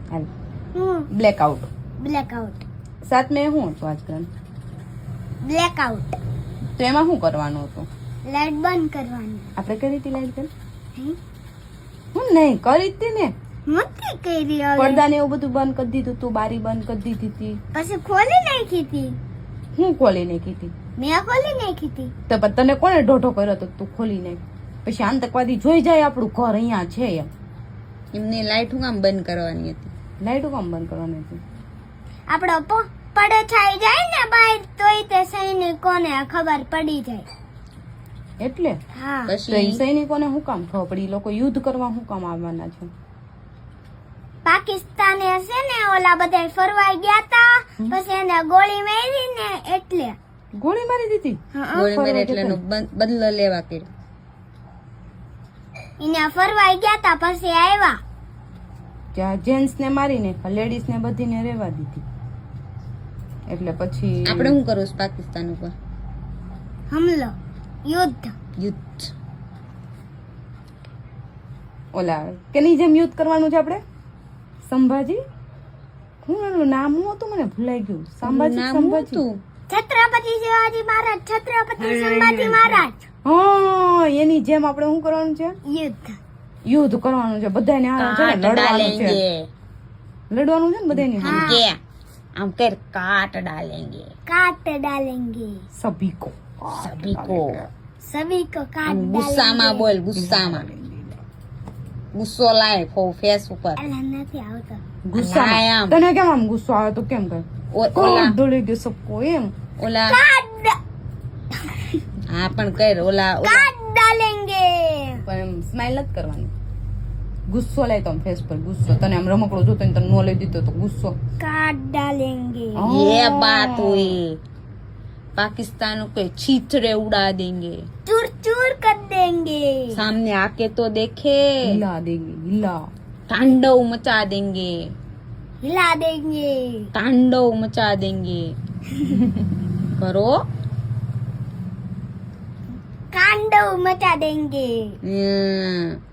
હાલ blackout. Blackout. 7 મે હું હતું આજકાલ? બ્લેકઆઉટ. તો એમાં શું કરવાનું હતું? લાઈટ બંધ કરવાની. આપણે કરી હતી લાઈટ બંધ? હમ? હું નહીં કરી હતી ને. નથી કરી હવે. પડદા ને એવું બધું બંધ કરી દીધું તું, બારી બંધ કરી દીધી હતી. પછી ખોલી નાખી હતી. હું ખોલી નાખી હતી? મેં ખોલી નાખી હતી. તો પણ તને કોને ઢોઢો કર્યો તો તું ખોલી નાખ? પછી આતંકવાદી જોઈ જાય આપણું ઘર અહીંયા છે એમ. એમની લાઈટ હું કામ બંધ કરવાની હતી? લાઈટો કામ બંધ કરવાની હતી? આપણો પડો થઈ જાય ને બહાર તોય તે સૈનિકોને ખબર પડી જાય. એટલે હા. તો એ પછી સૈનિકોને શું કામ ખબર પડી? ઈ લોકો યુદ્ધ કરવા શું કામ આવવાના છે? પાકિસ્તાને હશે ને ઓલા બધા ફરવા ગયા તા પછી એને ગોળી મારી ને એટલે. ગોળી મારી દીધી? ગોળી મારી એટલે એનો બદલો લેવા કર્યો. એને ફરવા ગયા તા પછી આવ્યા. ત્યાં જેન્ટ્સ ને મારીને લેડીઝ ને બધીને રહેવા દીધી. એટલે પછી આપણે શું કરવું છે પાકિસ્તાન ઉપર? હમલો, યુદ્ધ. યુદ્ધ. ઓલા કેની જેમ યુદ્ધ કરવાનું છે આપણે? સંભાજી? હું એનું નામ શું હતું મને ભૂલાઈ ગયું. સંભાજી. નામ શું સંભાજી. હતું? છત્રપતિ શિવાજી મહારાજ, છત્રપતિ સંભાજી મહારાજ. હા, એની જેમ આપણે શું કરવાનું છે? યુદ્ધ. યુદ્ધ કરવાનું છે. બધાને આ છે ને કાટ લડવાનું છે. ડાલેંગે. લડવાનું છે ને બધાને. આમ કે આમ કર, કાટ ડાલેંગે काट डालेंगे. સભી કો સભી કો. सभी को काट આમ ગુસ્સામાં બોલ, ગુસ્સામાં. ગુસ્સો લાય ફેસ ઉપર. डालेंगे. નથી આવતો. ગુસ્સા. આમ. તને કેમ આમ ગુસ્સો આવે તો કેમ કર? ઓલા ડોલી ગયો સબકો એમ. ઓલા काट હા પણ કર ઓલા डालेंगे. પણ એમ સ્માઈલ નથી કરવાની. ગુસ્સો લાય તો આમ ફેસ પર ગુસ્સો. તને આમ રમકડો જોતો ને તને નો લઈ દીધો તો ગુસ્સો. काट डालेंगे. ये बात हुई. पाकिस्तान को छीतरे उड़ा देंगे. चूर चूर कर देंगे. सामने आके तो देखे. હિલા દેંગે હિલા. तांडव मचा देंगे. हिला देंगे. तांडव मचा देंगे. करो. कांडव मचा देंगे.